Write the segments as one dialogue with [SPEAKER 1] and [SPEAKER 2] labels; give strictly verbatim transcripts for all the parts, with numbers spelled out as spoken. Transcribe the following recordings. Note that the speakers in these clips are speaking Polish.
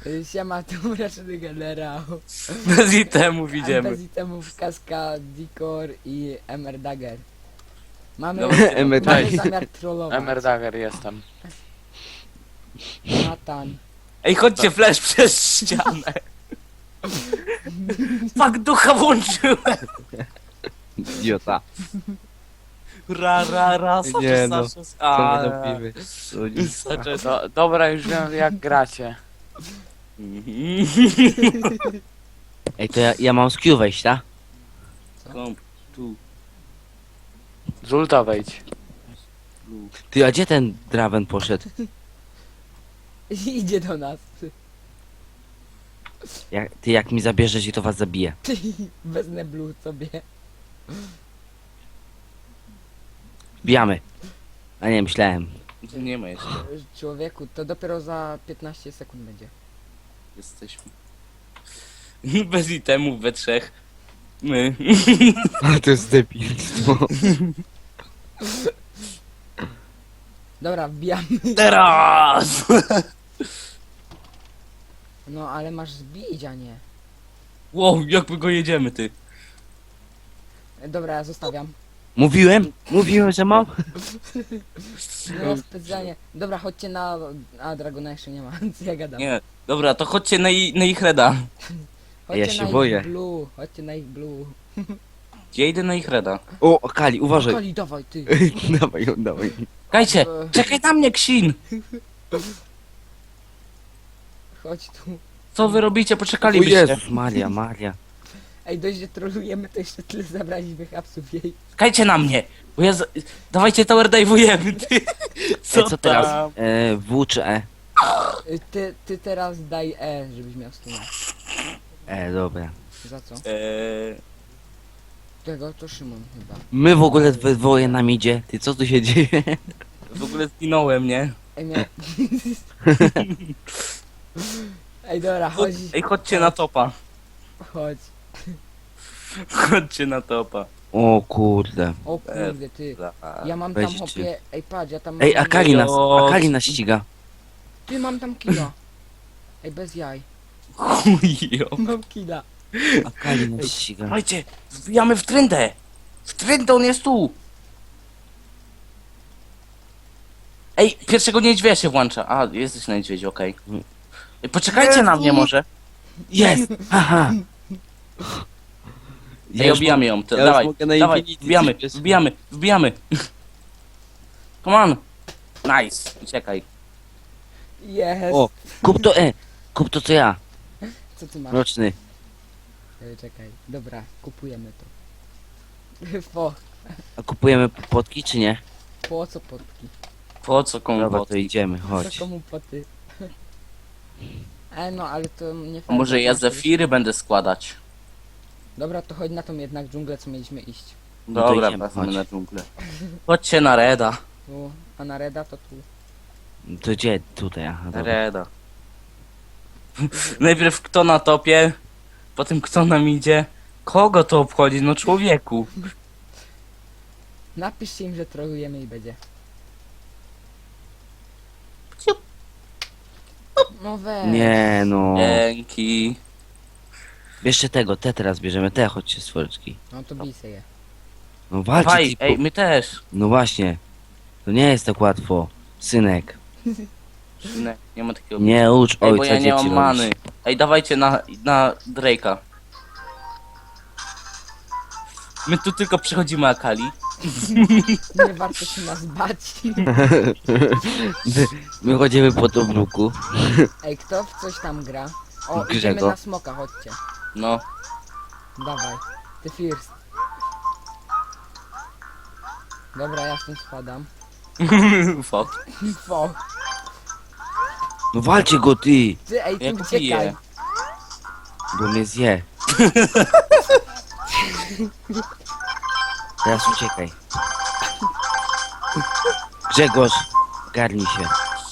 [SPEAKER 1] Y, Siema, tu mroczny generał.
[SPEAKER 2] Bez itemów idziemy.
[SPEAKER 1] Bez itemów Kaska, Dikor i Emer Dagger. Mamy,
[SPEAKER 2] Dobra,
[SPEAKER 3] Emer
[SPEAKER 1] mamy
[SPEAKER 3] Dagger.
[SPEAKER 1] zamiar trollować.
[SPEAKER 2] Emerdager jestem.
[SPEAKER 1] Natan.
[SPEAKER 2] Ej, chodźcie, flash przez ścianę. Fuck, ducha włączyłem.
[SPEAKER 3] Idiota.
[SPEAKER 2] Ra, ra, ra,
[SPEAKER 3] Nie
[SPEAKER 2] sacze,
[SPEAKER 3] no,
[SPEAKER 2] sacze,
[SPEAKER 3] Co my
[SPEAKER 2] a,
[SPEAKER 3] robimy? O nie.
[SPEAKER 2] sacze, do, dobra, już wiem jak gracie.
[SPEAKER 3] Ej, to ja, ja mam z Q wejść, tak?
[SPEAKER 2] Kom, tu, Zulta wejdź. tu.
[SPEAKER 3] Ty, a gdzie ten Draven poszedł?
[SPEAKER 1] Idzie do nas.
[SPEAKER 3] Jak, ty jak mi zabierzesz i to was zabije.
[SPEAKER 1] Bez neblu sobie.
[SPEAKER 3] Bijamy. A nie, myślałem.
[SPEAKER 2] Nie ma jeszcze,
[SPEAKER 1] Człowieku, to dopiero za piętnaście sekund będzie.
[SPEAKER 2] jesteśmy. Bez itemów we trzech. My.
[SPEAKER 3] Ale to jest debilstwo.
[SPEAKER 1] Dobra, wbijamy.
[SPEAKER 2] Teraz!
[SPEAKER 1] No ale masz zbić, a nie.
[SPEAKER 2] Wow, jak my go jedziemy, ty.
[SPEAKER 1] Dobra, ja zostawiam.
[SPEAKER 3] Mówiłem? Mówiłem, że mam?
[SPEAKER 1] No specjalnie. Dobra, chodźcie na... A, Dragona jeszcze nie ma, co ja gadam.
[SPEAKER 2] Nie, dobra, to chodźcie na, i, na ich reda.
[SPEAKER 1] Chodźcie
[SPEAKER 3] Ja
[SPEAKER 1] na
[SPEAKER 3] się
[SPEAKER 1] ich
[SPEAKER 3] boję.
[SPEAKER 1] blue, chodźcie na ich blue.
[SPEAKER 2] Ja idę na ich reda.
[SPEAKER 3] O, Kali, uważaj.
[SPEAKER 1] Kali, dawaj ty.
[SPEAKER 3] Dawaj ją, dawaj.
[SPEAKER 2] Czekajcie,
[SPEAKER 1] E,
[SPEAKER 2] czekaj na mnie, Ksin!
[SPEAKER 1] Chodź tu.
[SPEAKER 2] Co wy robicie?
[SPEAKER 3] O
[SPEAKER 2] Poczekalibyście.
[SPEAKER 3] Jezus, Maria, Maria.
[SPEAKER 1] Ej, dość, że trolujemy, to jeszcze tyle zabraliśmy hapsów jej.
[SPEAKER 2] Czekajcie na mnie, bo ja z... Dawajcie tower dive'ujemy, ty. Co,
[SPEAKER 3] Ej, co teraz?
[SPEAKER 2] tam?
[SPEAKER 3] E, W czy E?
[SPEAKER 1] Y, Ty, ty teraz daj E, żebyś miał stuna.
[SPEAKER 3] E, dobra.
[SPEAKER 1] Za co?
[SPEAKER 2] Eee,
[SPEAKER 1] Tego to Szymon chyba.
[SPEAKER 3] My w ogóle we dwoje nam idzie. Ty, co tu się dzieje?
[SPEAKER 2] w ogóle zginąłem, nie?
[SPEAKER 1] Ej, mia... Ej, dobra, chodź.
[SPEAKER 2] Ej, chodźcie na topa.
[SPEAKER 1] Chodź.
[SPEAKER 2] Chodźcie na topa.
[SPEAKER 3] O kurde.
[SPEAKER 1] O kurde, ty. Ja mam
[SPEAKER 3] Weźcie.
[SPEAKER 1] tam hopie... Ej, patrz, ja tam
[SPEAKER 3] Ej,
[SPEAKER 1] mam...
[SPEAKER 3] Akali nas,
[SPEAKER 2] O,
[SPEAKER 3] Akali nas ściga.
[SPEAKER 1] Ty, mam tam killa. Ej, bez jaj.
[SPEAKER 2] Chujo.
[SPEAKER 1] Mam killa.
[SPEAKER 3] Akali nas ściga.
[SPEAKER 2] Słuchajcie, wbijamy w trendę. W trendę, on jest tu. Ej, pierwszego niedźwiedzia się włącza. A, jesteś na niedźwiedziu, okej. Ej, poczekajcie na mnie może.
[SPEAKER 3] Jest! Haha!
[SPEAKER 2] Ej, obijamy ją. To,
[SPEAKER 3] ja już
[SPEAKER 2] dawaj,
[SPEAKER 3] mogę na
[SPEAKER 2] dawaj,
[SPEAKER 3] Infinity
[SPEAKER 2] wbijamy,
[SPEAKER 3] coś
[SPEAKER 2] wbijamy, wbijamy. Come on. Nice, uciekaj.
[SPEAKER 1] Jest.
[SPEAKER 3] O, kup to E! Kup to co ja,
[SPEAKER 1] Co ty masz?
[SPEAKER 3] roczny.
[SPEAKER 1] Ej, czekaj. Dobra, kupujemy to. Po,
[SPEAKER 3] A kupujemy potki czy nie?
[SPEAKER 1] po co potki?
[SPEAKER 2] Po co komu
[SPEAKER 3] Dobra,
[SPEAKER 2] bot?
[SPEAKER 3] to idziemy,
[SPEAKER 1] Po
[SPEAKER 3] chodź.
[SPEAKER 1] komu poty? E, no, ale to nie
[SPEAKER 2] A
[SPEAKER 1] fajnie.
[SPEAKER 2] może ja zefiry będę składać?
[SPEAKER 1] Dobra, to chodź na tą jednak dżunglę, co mieliśmy iść.
[SPEAKER 3] No to
[SPEAKER 2] Dobra,
[SPEAKER 3] idziemy,
[SPEAKER 2] wracamy
[SPEAKER 3] chodź.
[SPEAKER 2] na dżunglę. Chodźcie na Reda.
[SPEAKER 1] Tu, a na Reda to tu.
[SPEAKER 3] To gdzie? Tutaj, aha,
[SPEAKER 2] Na
[SPEAKER 3] dobra.
[SPEAKER 2] Reda. Najpierw kto na topie, potem kto nam idzie. Kogo to obchodzi? No człowieku.
[SPEAKER 1] Napiszcie im, że trolujemy i będzie. No weź.
[SPEAKER 3] Nie no.
[SPEAKER 2] Dzięki.
[SPEAKER 3] Bierzcie tego, te teraz bierzemy, te chodźcie stworczki.
[SPEAKER 1] No to bij se je.
[SPEAKER 3] No walczcie,
[SPEAKER 2] Faj,
[SPEAKER 3] ty,
[SPEAKER 2] ej,
[SPEAKER 3] po...
[SPEAKER 2] my też.
[SPEAKER 3] No właśnie. To nie jest tak łatwo. Synek.
[SPEAKER 2] Nie, nie ma takiego.
[SPEAKER 3] Nie ucz
[SPEAKER 2] Ej,
[SPEAKER 3] ojca
[SPEAKER 2] bo ja nie
[SPEAKER 3] dzieci
[SPEAKER 2] mam
[SPEAKER 3] robić.
[SPEAKER 2] many. Ej, dawajcie na, na Drake'a. My tu tylko przychodzimy Akali.
[SPEAKER 1] Nie warto się nas bać.
[SPEAKER 3] My chodzimy po Tobruku.
[SPEAKER 1] Ej, kto w coś tam gra? O,
[SPEAKER 3] Grzego.
[SPEAKER 1] idziemy na smoka, chodźcie.
[SPEAKER 2] No.
[SPEAKER 1] Dawaj. Ty first. Dobra, ja stąd spadam.
[SPEAKER 2] Fuck.
[SPEAKER 1] Fo.
[SPEAKER 3] No walcie go ty,
[SPEAKER 1] Ty, ej,
[SPEAKER 2] Jak
[SPEAKER 1] tu uciekaj.
[SPEAKER 2] bije.
[SPEAKER 3] bo mnie zje. Teraz uciekaj. Grzegorz, garnij się.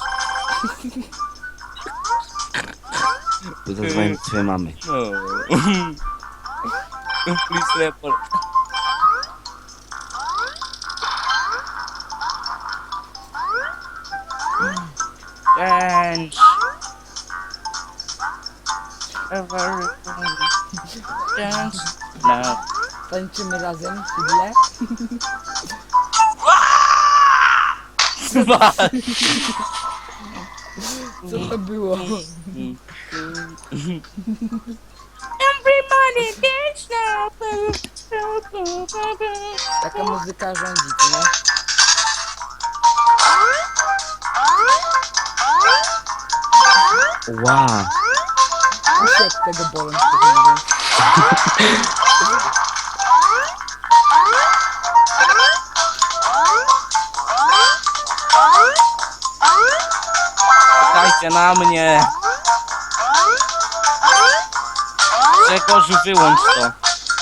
[SPEAKER 3] Bo zadzwonię do twojej mamy.
[SPEAKER 2] No. Please report. Change. Dance now.
[SPEAKER 1] Tańczymy razem, chwilę. Co to było?
[SPEAKER 2] Everybody dance now.
[SPEAKER 1] Taka muzyka rządzi, co nie?
[SPEAKER 3] Wow.
[SPEAKER 1] Uszy od tego bolą, szczerze mówiąc.
[SPEAKER 2] Czekajcie na mnie. Grzegorz, wyłącz to.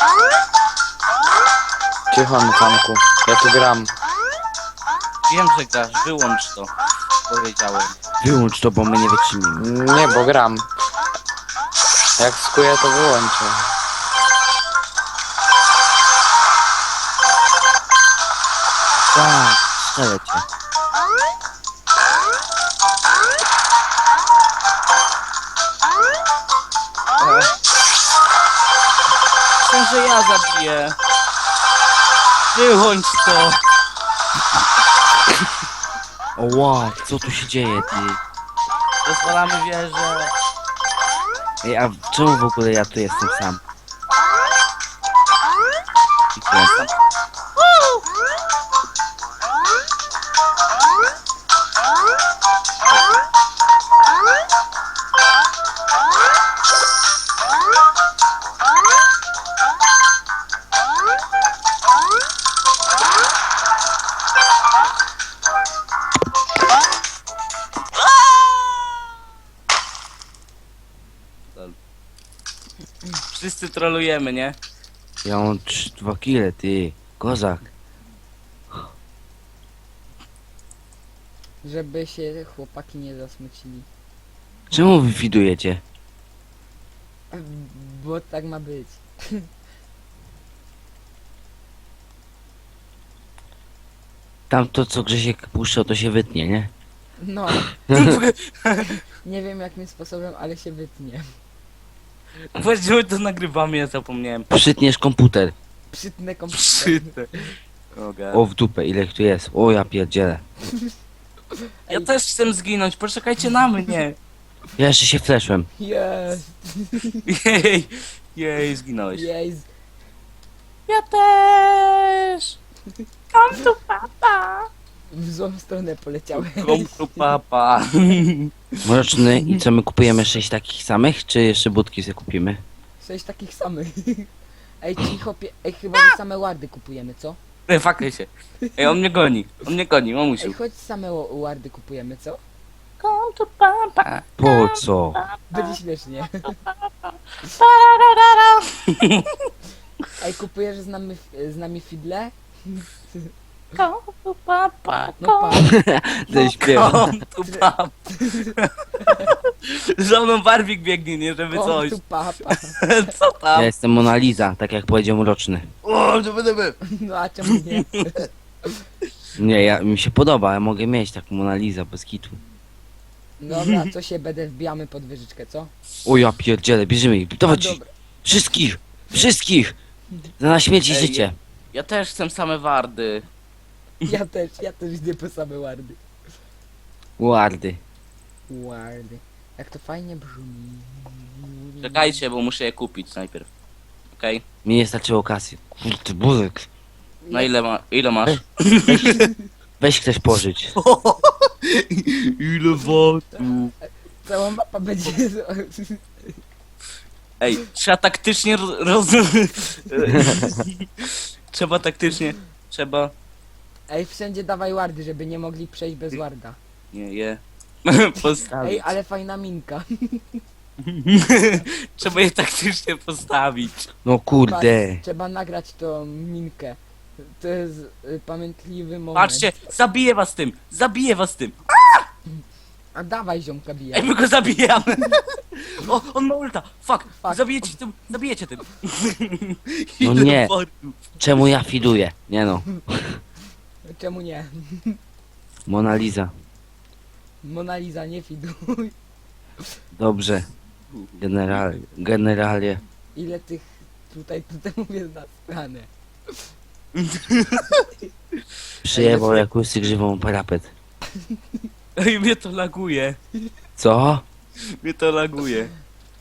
[SPEAKER 4] Cicho na zamku. Ja tu gram.
[SPEAKER 2] Wiem, że grasz, wyłącz to. Powiedziałem.
[SPEAKER 3] Wyłącz to, bo my nie wytrzymimy.
[SPEAKER 4] Nie, bo gram. Jak skuję, to wyłączę.
[SPEAKER 3] Tak, strzelę cię.
[SPEAKER 2] Chcę, że ja zabiję. Wyłącz to.
[SPEAKER 3] O wow, co tu się dzieje, ty?
[SPEAKER 2] Rozwalamy wieżę.
[SPEAKER 3] Ej, a czemu w ogóle ja tu jestem sam? I tu jestem.
[SPEAKER 2] Wszyscy trolujemy, nie?
[SPEAKER 3] Ja mam trzy, dwa kile, ty. Kozak.
[SPEAKER 1] Żeby się chłopaki nie zasmucili.
[SPEAKER 3] Czemu wy widujecie?
[SPEAKER 1] Bo tak ma być.
[SPEAKER 3] Tam to, co Grzesiek puszczał, to się wytnie, nie?
[SPEAKER 1] No. Nie wiem jakim sposobem, ale się wytnie.
[SPEAKER 2] Właściwie to nagrywamy, ja zapomniałem.
[SPEAKER 3] Przytniesz komputer.
[SPEAKER 1] Przytnę komputer.
[SPEAKER 2] Przyte. O,
[SPEAKER 3] O, w dupę, ile ich tu jest? O, ja pierdzielę.
[SPEAKER 2] ja też chcę zginąć, poczekajcie na mnie.
[SPEAKER 3] Ja jeszcze się fleszłem.
[SPEAKER 1] Jest.
[SPEAKER 2] Jej, jej, zginąłeś.
[SPEAKER 1] Jest.
[SPEAKER 2] Ja też. Come to papa.
[SPEAKER 1] W złą stronę poleciałem.
[SPEAKER 2] Come to papa.
[SPEAKER 3] Mroczny, i co, my kupujemy sześć takich samych, czy jeszcze budki sobie kupimy?
[SPEAKER 1] Sześć takich samych. Ej, cicho, pie... Ej, chyba że same wardy kupujemy, co?
[SPEAKER 2] Ej, fakaj się. Ej, on mnie goni. On mnie goni,
[SPEAKER 1] Ej,
[SPEAKER 2] mamusiu.
[SPEAKER 1] chodź same wa- wardy kupujemy, co?
[SPEAKER 2] Come to papa.
[SPEAKER 3] Po co?
[SPEAKER 1] Będzie śmiesznie. Ej, kupujesz z nami, z nami fidle?
[SPEAKER 2] Come to papa.
[SPEAKER 1] No pa.
[SPEAKER 3] Ten śpiewa.
[SPEAKER 2] Come to papa. Za mną Barbik biegnie, nie żeby
[SPEAKER 1] O,
[SPEAKER 2] coś.
[SPEAKER 1] tu papa.
[SPEAKER 2] Co
[SPEAKER 3] Ja
[SPEAKER 2] tam?
[SPEAKER 3] jestem Mona Lisa, tak jak powiedział Mroczny.
[SPEAKER 2] O, żeby, żeby.
[SPEAKER 1] No a czemu nie?
[SPEAKER 3] Nie, ja, mi się podoba, ja mogę mieć taką Mona Lisa bez kitu.
[SPEAKER 1] Dobra, co się będę wbijamy pod wyżyczkę, co?
[SPEAKER 3] O ja pierdzielę, bierzemy ich,
[SPEAKER 1] A,
[SPEAKER 3] dawać ich.
[SPEAKER 1] dobra.
[SPEAKER 3] Wszystkich! Wszystkich! Za na śmierć i
[SPEAKER 2] Ej,
[SPEAKER 3] życie.
[SPEAKER 2] Ja też chcę same wardy.
[SPEAKER 1] Ja też, ja też idę po same wardy.
[SPEAKER 3] Wardy.
[SPEAKER 1] Wardy. Jak to fajnie brzmi.
[SPEAKER 2] Czekajcie, bo muszę je kupić najpierw. Okej?
[SPEAKER 3] Mi nie starczyło kasy. Kurde, Buzek.
[SPEAKER 2] Na ile, ma, ile masz?
[SPEAKER 3] Weź, weź ktoś pożyć.
[SPEAKER 2] Ile watów?
[SPEAKER 1] Cała mapa będzie...
[SPEAKER 2] Ej, trzeba taktycznie ro- roz... Trzeba taktycznie... Trzeba...
[SPEAKER 1] Ej, wszędzie dawaj wardy, żeby nie mogli przejść bez warda.
[SPEAKER 2] Nie, je... Postawić.
[SPEAKER 1] Ej, ale fajna minka.
[SPEAKER 2] Trzeba je taktycznie postawić.
[SPEAKER 3] No kurde.
[SPEAKER 1] Patrz, trzeba nagrać tą minkę. To jest y, pamiętliwy moment.
[SPEAKER 2] Patrzcie, zabiję was tym! Zabiję was tym!
[SPEAKER 1] A dawaj ziomka bija.
[SPEAKER 2] Ej, my go zabijamy! O, on ma ulta! Fuck!
[SPEAKER 1] Fuck.
[SPEAKER 2] Zabijecie tym! Zabijecie tym!
[SPEAKER 3] No
[SPEAKER 2] Ile
[SPEAKER 3] nie.
[SPEAKER 2] wartów?
[SPEAKER 3] Czemu ja fiduję? Nie no.
[SPEAKER 1] Czemu nie?
[SPEAKER 3] Mona Lisa.
[SPEAKER 1] Mona Lisa, nie fiduj.
[SPEAKER 3] Dobrze. General, generalnie.
[SPEAKER 1] Ile tych tutaj, tutaj mówię na stronę.
[SPEAKER 3] Przyjebał jak łysy grzywą parapet.
[SPEAKER 2] Ej, mnie to laguje.
[SPEAKER 3] Co?
[SPEAKER 2] Mnie to laguje.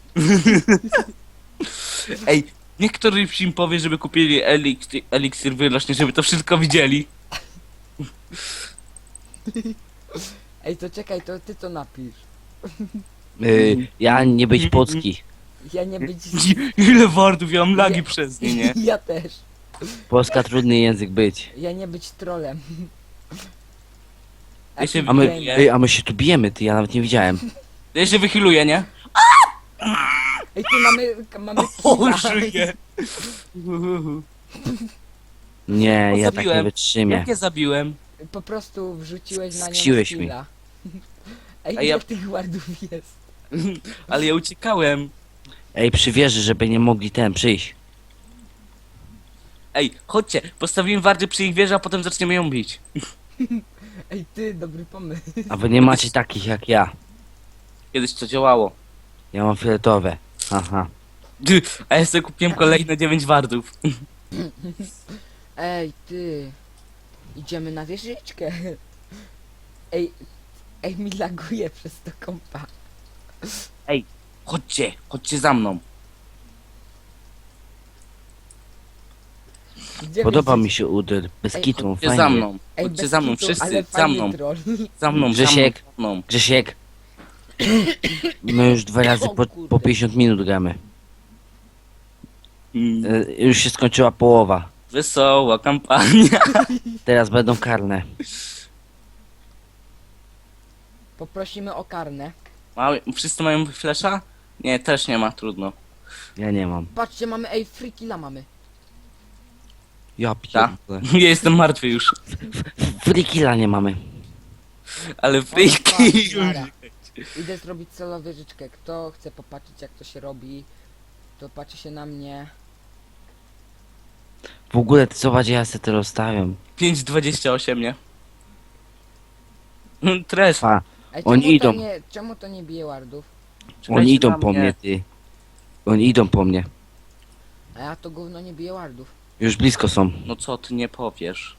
[SPEAKER 2] Ej, niech któryś im powie, żeby kupili eliksir, eliksir wyrośnie, żeby to wszystko widzieli.
[SPEAKER 1] Ej, to czekaj, to ty to napisz.
[SPEAKER 3] Y, ja nie być polski.
[SPEAKER 1] Ja nie być...
[SPEAKER 2] Ile wardów, ja mam lagi
[SPEAKER 1] Nie.
[SPEAKER 2] przez nie, nie?
[SPEAKER 1] Ja też.
[SPEAKER 3] Polska trudny język być.
[SPEAKER 1] Ja nie być trolem.
[SPEAKER 2] Ja się
[SPEAKER 3] A my,
[SPEAKER 2] wychyluje.
[SPEAKER 3] ej, a my się tu bijemy, ty, ja nawet nie widziałem.
[SPEAKER 2] Ja się wychyluję, nie?
[SPEAKER 1] Ej, tu mamy... mamy
[SPEAKER 2] O,
[SPEAKER 1] killa.
[SPEAKER 2] żyję.
[SPEAKER 3] Nie,
[SPEAKER 2] O,
[SPEAKER 3] ja tak nie
[SPEAKER 2] zabiłem.
[SPEAKER 3] wytrzymię.
[SPEAKER 2] Jak je zabiłem?
[SPEAKER 1] Po prostu wrzuciłeś na nią
[SPEAKER 3] Skrzsiłeś mi.
[SPEAKER 1] skilla. Ej,
[SPEAKER 2] A
[SPEAKER 1] ile
[SPEAKER 2] ja-
[SPEAKER 1] tych wardów jest?
[SPEAKER 2] Ale ja uciekałem.
[SPEAKER 3] Ej, przy wieży, żeby nie mogli ten przyjść.
[SPEAKER 2] Ej, chodźcie, postawimy wardy przy ich wieży, a potem zaczniemy ją bić.
[SPEAKER 1] Ej, ty, dobry pomysł.
[SPEAKER 3] A wy nie macie takich jak ja.
[SPEAKER 2] Kiedyś to działało.
[SPEAKER 3] Ja mam fioletowe. Aha.
[SPEAKER 2] Ty, a ja sobie kupiłem kolejne dziewięć wardów.
[SPEAKER 1] Ej, ty. Idziemy na wieżyczkę. Ej, ej, mi laguje przez to kompa.
[SPEAKER 2] Chodźcie, chodźcie za mną.
[SPEAKER 1] Gdzie
[SPEAKER 3] Podoba
[SPEAKER 1] wy
[SPEAKER 3] mi się uder. Bez
[SPEAKER 1] Ej,
[SPEAKER 3] kitu,
[SPEAKER 2] Chodźcie za
[SPEAKER 3] fajnie.
[SPEAKER 2] mną.
[SPEAKER 1] Ej,
[SPEAKER 2] Chodźcie
[SPEAKER 1] bez
[SPEAKER 2] za mną,
[SPEAKER 1] kitu,
[SPEAKER 2] wszyscy,
[SPEAKER 1] ale
[SPEAKER 2] za
[SPEAKER 1] fajny
[SPEAKER 2] mną.
[SPEAKER 1] troll.
[SPEAKER 2] Za mną,
[SPEAKER 3] Grzesiek.
[SPEAKER 2] za mną.
[SPEAKER 3] Grzesiek. My już dwa razy
[SPEAKER 1] O
[SPEAKER 3] po,
[SPEAKER 1] kurde.
[SPEAKER 3] po pięćdziesiąt minut gramy.
[SPEAKER 2] Mm,
[SPEAKER 3] E, już się skończyła połowa.
[SPEAKER 2] Wesoła kampania.
[SPEAKER 3] Teraz będą karne.
[SPEAKER 1] Poprosimy o karnę.
[SPEAKER 2] Mały, wszyscy mają flesza? Nie, też nie ma, trudno.
[SPEAKER 3] Ja nie mam.
[SPEAKER 1] Patrzcie, mamy, ej, free killa mamy.
[SPEAKER 3] Ja
[SPEAKER 2] Ta.
[SPEAKER 3] pierdolę.
[SPEAKER 2] Ja jestem martwy już.
[SPEAKER 3] Free killa nie mamy.
[SPEAKER 2] Ale
[SPEAKER 1] O,
[SPEAKER 2] freaki
[SPEAKER 1] patrz,
[SPEAKER 2] już.
[SPEAKER 1] nara. Idę zrobić solo wieżyczkę. Kto chce popatrzeć jak to się robi, to patrzy się na mnie.
[SPEAKER 3] W ogóle ty zobacz, ja se to rozstawiam.
[SPEAKER 2] pięć dwadzieścia osiem, nie? Mm, Trash.
[SPEAKER 3] Pa,
[SPEAKER 1] Ej,
[SPEAKER 3] Oni
[SPEAKER 1] czemu
[SPEAKER 3] idą.
[SPEAKER 1] To nie, czemu to nie bije wardów?
[SPEAKER 2] Czekajcie
[SPEAKER 3] oni idą
[SPEAKER 2] na
[SPEAKER 3] po mnie, ty. Oni idą po mnie.
[SPEAKER 1] A ja to gówno nie bije wardów.
[SPEAKER 3] Już blisko są.
[SPEAKER 2] No co ty nie powiesz?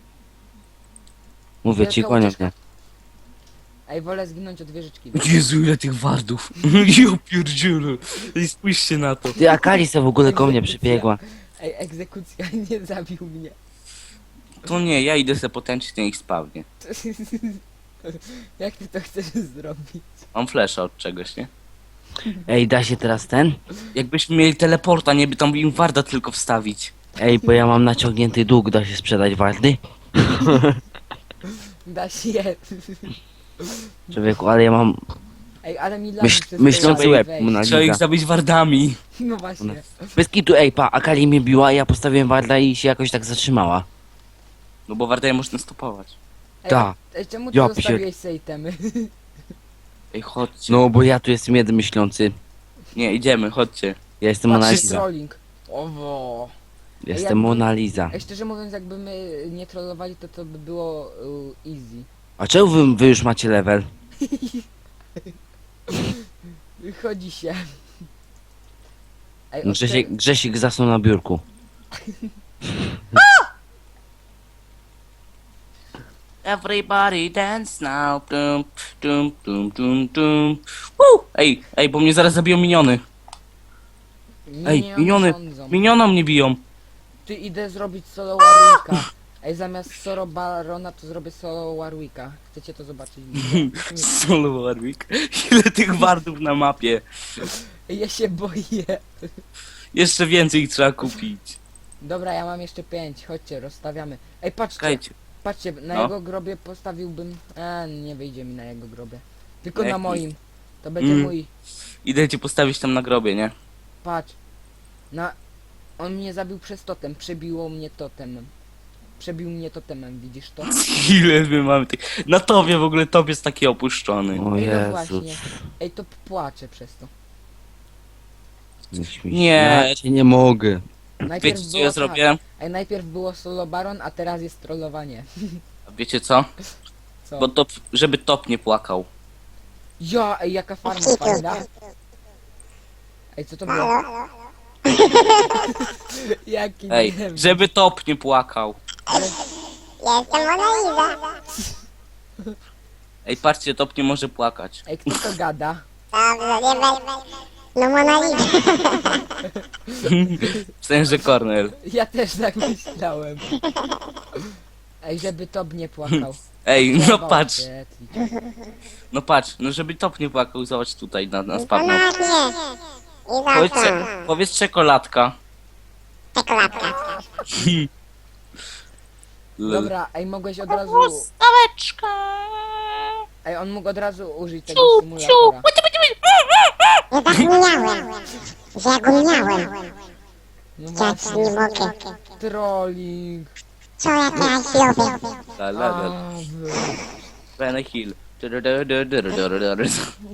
[SPEAKER 3] Mówię ci,
[SPEAKER 1] Wielka
[SPEAKER 3] gonią
[SPEAKER 1] ucieczka.
[SPEAKER 3] mnie.
[SPEAKER 1] Ej, wolę zginąć od wieżyczki.
[SPEAKER 2] Jezu, ile tych wardów. Jo pierdziule. Ej, spójrzcie na to.
[SPEAKER 3] Ty, Akalisa w ogóle ko mnie
[SPEAKER 1] Egzekucja.
[SPEAKER 3] przybiegła.
[SPEAKER 1] Ej, egzekucja nie zabił mnie.
[SPEAKER 2] To nie, ja idę se potęczyć na ich spawnie.
[SPEAKER 1] Jak ty to chcesz zrobić?
[SPEAKER 2] Mam flesza od czegoś, nie?
[SPEAKER 3] Ej, da się teraz ten?
[SPEAKER 2] Jakbyśmy mieli teleporta, nie by tam im warda tylko wstawić.
[SPEAKER 3] Ej, bo ja mam naciągnięty dług, da się sprzedać wardy?
[SPEAKER 1] Da się.
[SPEAKER 3] Człowieku, ale ja mam
[SPEAKER 1] Ej, ale mi lagi
[SPEAKER 3] myśl,
[SPEAKER 1] przez
[SPEAKER 3] myślący
[SPEAKER 1] te
[SPEAKER 3] łeb.
[SPEAKER 1] wejść.
[SPEAKER 3] Mona
[SPEAKER 2] Trzeba ich
[SPEAKER 3] Lisa.
[SPEAKER 2] zabić wardami.
[SPEAKER 1] No właśnie.
[SPEAKER 3] Bez kitu, ej, pa, Akali mnie biła, ja postawiłem warda i się jakoś tak zatrzymała.
[SPEAKER 2] No bo wardaje można stopować.
[SPEAKER 1] Ej,
[SPEAKER 3] Ta.
[SPEAKER 1] ej, czemu ty
[SPEAKER 3] Ja
[SPEAKER 1] zostawiłeś se itemy?
[SPEAKER 2] Ej, chodźcie.
[SPEAKER 3] No, bo ja tu jestem jeden myślący.
[SPEAKER 2] Nie, idziemy, chodźcie.
[SPEAKER 3] Ja jestem Mona
[SPEAKER 1] Patrzcie,
[SPEAKER 3] Lisa.
[SPEAKER 1] trolling. Owo.
[SPEAKER 3] Jestem
[SPEAKER 1] jakby-
[SPEAKER 3] Mona Lisa.
[SPEAKER 1] Ej, szczerze mówiąc, jakby my nie trollowali, to to by było uh, easy.
[SPEAKER 3] A czemu wy, wy już macie level?
[SPEAKER 1] Chodzi się. Ej, od
[SPEAKER 3] Grzesiek,
[SPEAKER 1] te-
[SPEAKER 3] Grzesik zasnął na biurku.
[SPEAKER 2] Everybody dance now. Dum, dum, dum, dum, dum. Woo! Ej, ej, bo mnie zaraz zabiją miniony. Ej,
[SPEAKER 1] nie
[SPEAKER 2] miniony,
[SPEAKER 1] sądzą.
[SPEAKER 2] minioną mnie biją.
[SPEAKER 1] Ty idę zrobić solo Warwicka. Ej, zamiast solo Barona to zrobię solo Warwicka. Chcecie to zobaczyć?
[SPEAKER 2] Solo Warwick. Ile tych wardów na mapie.
[SPEAKER 1] Ej, ja się boję.
[SPEAKER 2] Jeszcze więcej ich trzeba kupić.
[SPEAKER 1] Dobra, ja mam jeszcze pięć. Chodźcie, rozstawiamy. Ej, patrzcie,
[SPEAKER 2] Czekajcie.
[SPEAKER 1] patrzcie, na
[SPEAKER 2] No.
[SPEAKER 1] jego grobie postawiłbym... E, nie wyjdzie mi na jego grobie. Tylko
[SPEAKER 2] Na
[SPEAKER 1] na
[SPEAKER 2] jakim?
[SPEAKER 1] moim. To będzie
[SPEAKER 2] Mm.
[SPEAKER 1] mój.
[SPEAKER 2] Idę cię postawić tam na grobie, nie?
[SPEAKER 1] Patrz. Na... On mnie zabił przez totem. Przebiło mnie totemem. Przebił mnie totemem, widzisz to?
[SPEAKER 2] Ile my mamy tych... Na tobie w ogóle top jest taki opuszczony.
[SPEAKER 3] O
[SPEAKER 1] Ej, no
[SPEAKER 3] Jezu.
[SPEAKER 1] właśnie. Ej, to płaczę przez to.
[SPEAKER 3] Nie. śmiej się.
[SPEAKER 2] Nie.
[SPEAKER 3] Ja cię nie mogę.
[SPEAKER 1] Najpierw
[SPEAKER 2] Wiecie co
[SPEAKER 1] było
[SPEAKER 2] ja
[SPEAKER 1] tak.
[SPEAKER 2] zrobię?
[SPEAKER 1] Ej, najpierw było solo baron, a teraz jest trollowanie.
[SPEAKER 2] Wiecie co?
[SPEAKER 1] Co?
[SPEAKER 2] Bo top, żeby top nie płakał.
[SPEAKER 1] Ja, ej, jaka farma fajna. Ej, co to było? Jaki
[SPEAKER 2] Ej,
[SPEAKER 1] debil.
[SPEAKER 2] żeby top nie płakał.
[SPEAKER 5] Jestem Mona Lisa.
[SPEAKER 2] Ej, patrzcie, top nie może płakać.
[SPEAKER 1] Ej, kto to gada?
[SPEAKER 5] Dobrze, nie będę. No Mona Lisa.
[SPEAKER 2] W sensie Cornel.
[SPEAKER 1] Ja też tak myślałem. Ej, żeby Top nie płakał.
[SPEAKER 2] Ej, no
[SPEAKER 1] Trzeba
[SPEAKER 2] patrz,
[SPEAKER 1] oświetlić.
[SPEAKER 2] no patrz, no żeby top nie płakał, zobacz tutaj na, na spadną.
[SPEAKER 5] Ponadnie. I za
[SPEAKER 2] Powiedz,
[SPEAKER 5] co?
[SPEAKER 2] cze- powiedz czekoladka.
[SPEAKER 5] Czekoladka.
[SPEAKER 2] L-
[SPEAKER 1] Dobra, ej, mogłeś od razu...
[SPEAKER 2] Staweczka.
[SPEAKER 1] Ej, on mógł od razu użyć tego
[SPEAKER 2] Ciu,
[SPEAKER 1] symulatora.
[SPEAKER 5] Ja zapomniałem, że ja go miałem.
[SPEAKER 1] No
[SPEAKER 5] Ja ci
[SPEAKER 1] właśnie,
[SPEAKER 5] nie mogę.
[SPEAKER 1] trolling.
[SPEAKER 5] Co ja teraz robię?
[SPEAKER 2] La, la, la.
[SPEAKER 1] A, wy.
[SPEAKER 2] Benny Hill. Du, du, du, du, du, du, du, du, du.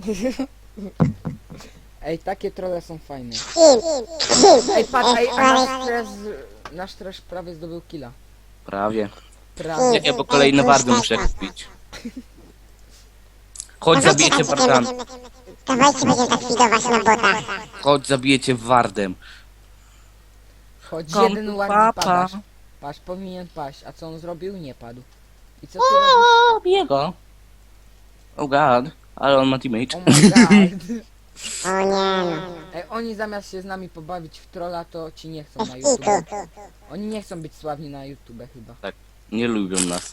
[SPEAKER 1] Ej, takie trolle są fajne.
[SPEAKER 5] Kill. Kill.
[SPEAKER 1] Ej, patrz, ej, a
[SPEAKER 5] ale-
[SPEAKER 1] nasz trash, nasz trash prawie zdobył killa.
[SPEAKER 2] Prawie.
[SPEAKER 1] Prawie.
[SPEAKER 2] Czekaj, bo kolejne wardy muszę kupić. Chodź, zabijecie wardami.
[SPEAKER 5] Dawajcie, będziemy tak fidować na botach.
[SPEAKER 2] Chodź, zabijecie wardem.
[SPEAKER 1] Choć
[SPEAKER 2] Kom-
[SPEAKER 1] jeden ładny
[SPEAKER 2] papa.
[SPEAKER 1] padasz. Patrz, powinien paść. A co on zrobił? Nie padł. I co ty robisz?
[SPEAKER 2] O, bije go. Oh god, ale on ma teammate.
[SPEAKER 1] Oh my god.
[SPEAKER 5] O nie no.
[SPEAKER 1] Ej, oni zamiast się z nami pobawić w trolla, to ci nie chcą na
[SPEAKER 5] Bez
[SPEAKER 1] YouTube.
[SPEAKER 5] kitu.
[SPEAKER 1] Oni nie chcą być sławni na YouTube chyba.
[SPEAKER 2] Nie lubią nas.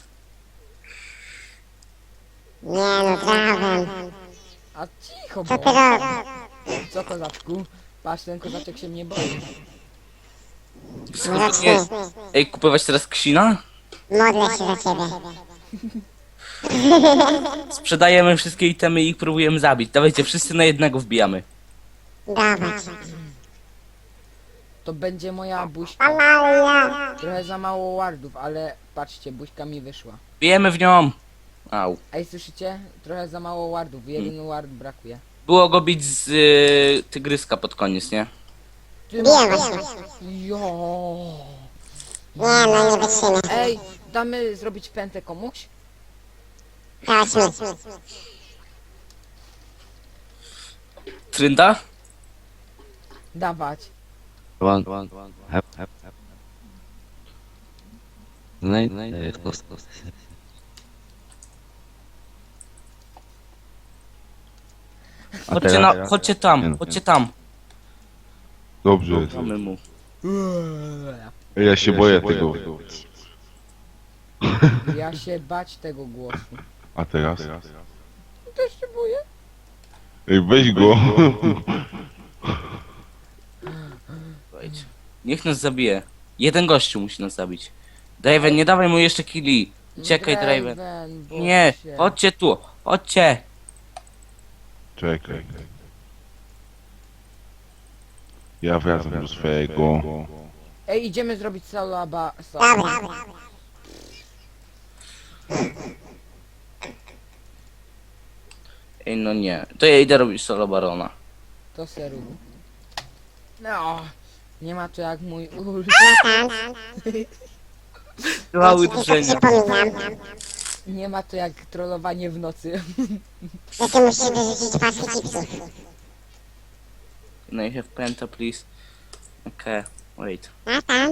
[SPEAKER 5] Nie no, trawem.
[SPEAKER 1] A cicho,
[SPEAKER 5] Co
[SPEAKER 1] bo...
[SPEAKER 5] ty robisz?
[SPEAKER 1] Co, kozaczku? Patrz, ten kozaczek się mnie boi.
[SPEAKER 2] Nie. Ej, kupować teraz ksina?
[SPEAKER 5] Modlę się za ciebie.
[SPEAKER 2] Sprzedajemy wszystkie itemy i ich próbujemy zabić. Dawajcie, wszyscy na jednego wbijamy.
[SPEAKER 5] Dawać.
[SPEAKER 1] To będzie moja buźka.
[SPEAKER 5] Amalia.
[SPEAKER 1] Trochę za mało wardów, ale patrzcie, buźka mi wyszła.
[SPEAKER 2] Bijemy w nią. Au.
[SPEAKER 1] Ej, słyszycie? Trochę za mało wardów, jeden ward brakuje.
[SPEAKER 2] Było go bić z y, tygryska pod koniec, nie?
[SPEAKER 1] Ty
[SPEAKER 5] Biję
[SPEAKER 1] masz-
[SPEAKER 5] właśnie.
[SPEAKER 1] Jo.
[SPEAKER 5] Nie no, nie wytrzymy.
[SPEAKER 1] Ej, damy zrobić pętę komuś?
[SPEAKER 5] Chodźmy.
[SPEAKER 2] Trynda?
[SPEAKER 1] Dawać.
[SPEAKER 3] One, one, one. Hep, hep, hep. Znaj, znaj, los, los. A
[SPEAKER 2] Chodźcie,
[SPEAKER 3] teraz-
[SPEAKER 2] na, chodźcie tam, chodźcie tam.
[SPEAKER 6] Dobrze jest.
[SPEAKER 2] Mamy mu.
[SPEAKER 6] Ja się boję tego.
[SPEAKER 1] Ja się bać tego głosu.
[SPEAKER 6] A teraz?
[SPEAKER 1] Też się boję.
[SPEAKER 6] Ej, weź go.
[SPEAKER 2] Słuchajcie. Niech nas zabije. Jeden gościu musi nas zabić. Draven, nie dawaj mu jeszcze killi. Uciekaj, Draven.
[SPEAKER 1] Draven, bo
[SPEAKER 2] Nie,
[SPEAKER 1] się-
[SPEAKER 2] chodźcie tu, chodźcie.
[SPEAKER 6] Czekaj. Ja wracam do swojego.
[SPEAKER 1] Ej, idziemy zrobić salaba...
[SPEAKER 5] Dobra.
[SPEAKER 2] Ej, no nie. To ja idę robić solo barona.
[SPEAKER 1] To seru. No, nie ma to jak mój ult.
[SPEAKER 5] Tam.
[SPEAKER 2] Mały
[SPEAKER 5] Tylko
[SPEAKER 2] drżenia.
[SPEAKER 5] przypominam,
[SPEAKER 1] Nie ma to jak trollowanie w nocy.
[SPEAKER 5] że ty musisz wyrzucić paski chipsów.
[SPEAKER 2] No I have penta, please. Okay, wait.
[SPEAKER 5] Natan.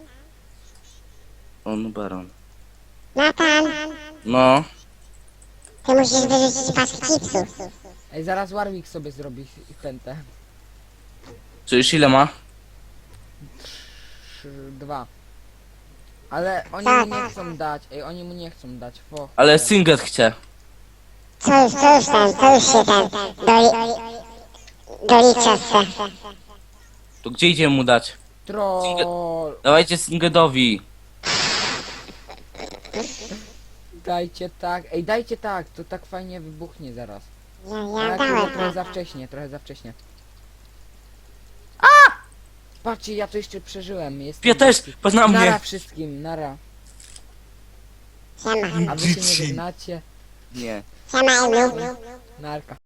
[SPEAKER 2] On baron.
[SPEAKER 5] Natan.
[SPEAKER 2] No.
[SPEAKER 5] Ty musisz wyrzucić paski chipsów.
[SPEAKER 1] Ej, zaraz Warwick sobie zrobi pętę.
[SPEAKER 2] Co już ile ma?
[SPEAKER 1] Trzy, dwa. Ale oni
[SPEAKER 5] Tak,
[SPEAKER 1] mu nie
[SPEAKER 5] tak,
[SPEAKER 1] chcą dać. Ej, oni mu nie chcą dać. Fo,
[SPEAKER 2] Ale
[SPEAKER 1] fo.
[SPEAKER 2] Singlet chce.
[SPEAKER 5] Co już, co już ten, co już się ten, doli... Dolicza se.
[SPEAKER 2] To gdzie idziemy mu dać?
[SPEAKER 1] Troll.
[SPEAKER 2] Dawajcie Singletowi.
[SPEAKER 1] Dajcie tak. Ej, dajcie tak. To tak fajnie wybuchnie zaraz.
[SPEAKER 5] Ja,
[SPEAKER 1] Ale
[SPEAKER 5] ja
[SPEAKER 1] trochę,
[SPEAKER 5] dałem.
[SPEAKER 1] trochę za wcześnie, trochę za wcześnie. Patrzcie, ja to jeszcze przeżyłem. Jestem
[SPEAKER 2] Ja też,
[SPEAKER 1] taki-
[SPEAKER 2] patrz na
[SPEAKER 1] Nara
[SPEAKER 2] mnie.
[SPEAKER 1] wszystkim, nara.
[SPEAKER 5] Siema.
[SPEAKER 1] A wy się nie żegnacie.
[SPEAKER 2] Nie.
[SPEAKER 5] Siema, Elu.
[SPEAKER 1] Narka.